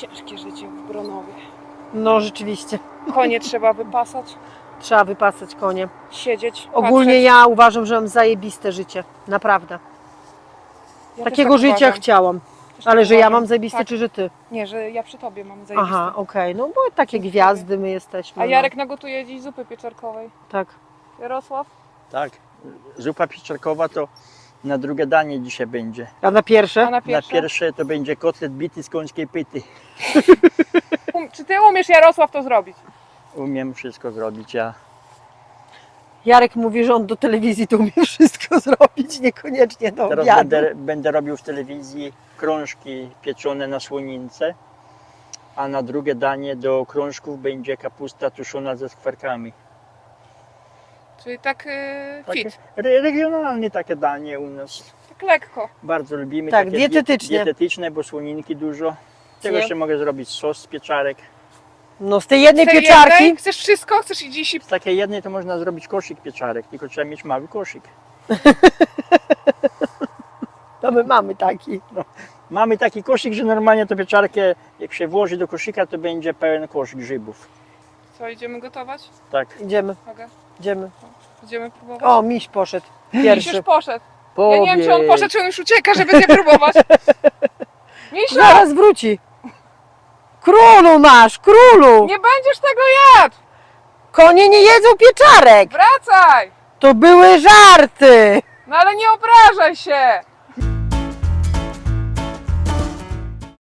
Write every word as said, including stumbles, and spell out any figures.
Ciężkie życie w Bronowie. No rzeczywiście. Konie trzeba wypasać, Trzeba wypasać konie. siedzieć, Ogólnie patrzeć. ja uważam, że mam zajebiste życie. Naprawdę. Ja też Takiego tak życia uważam. chciałam. Też Ale tak że ja uważam. mam zajebiste, Tak. czy że ty? Nie, że ja przy tobie mam zajebiste. Aha, okej. No bo takie Dziękuję. gwiazdy my jesteśmy. A no. Jarek nagotuje dziś zupy pieczarkowej. Tak. Jarosław? Tak, zupa pieczarkowa to na drugie danie dzisiaj będzie. A na pierwsze? A na pierwsze? Na pierwsze to będzie kotlet bity z końskiej pyty. Um, czy ty umiesz, Jarosław, to zrobić? Umiem wszystko zrobić, ja. Jarek mówi, że on do telewizji to umie wszystko zrobić, niekoniecznie do Teraz obiadu. będę, będę robił w telewizji krążki pieczone na słonince, a na drugie danie do krążków będzie kapusta tuszona ze skwarkami. Czyli tak yy, fit, Re, regionalne takie danie u nas. tak lekko. Bardzo lubimy. Tak, takie dietetyczne. Dietetyczne, bo słoninki dużo. Tego Nie. jeszcze mogę zrobić sos z pieczarek. No z tej jednej Z tej pieczarki. jednej? Chcesz wszystko? Chcesz i dziś i... Z takiej jednej to można zrobić koszyk pieczarek, tylko trzeba mieć mały koszyk. To my mamy taki. Mamy taki koszyk, że normalnie to pieczarkę, jak się włoży do koszyka, to będzie pełen kosz grzybów. Co, idziemy gotować? Tak. Idziemy, Mogę? idziemy. Idziemy próbować? O, miś poszedł. Miś Pierwszy. już poszedł. Ja nie wiem, czy on poszedł, czy on już ucieka, żeby nie próbować. Misiu, Zaraz wróci. Królu nasz, królu! nie będziesz tego jadł! Konie nie jedzą pieczarek! Wracaj! To były żarty! No ale nie obrażaj się!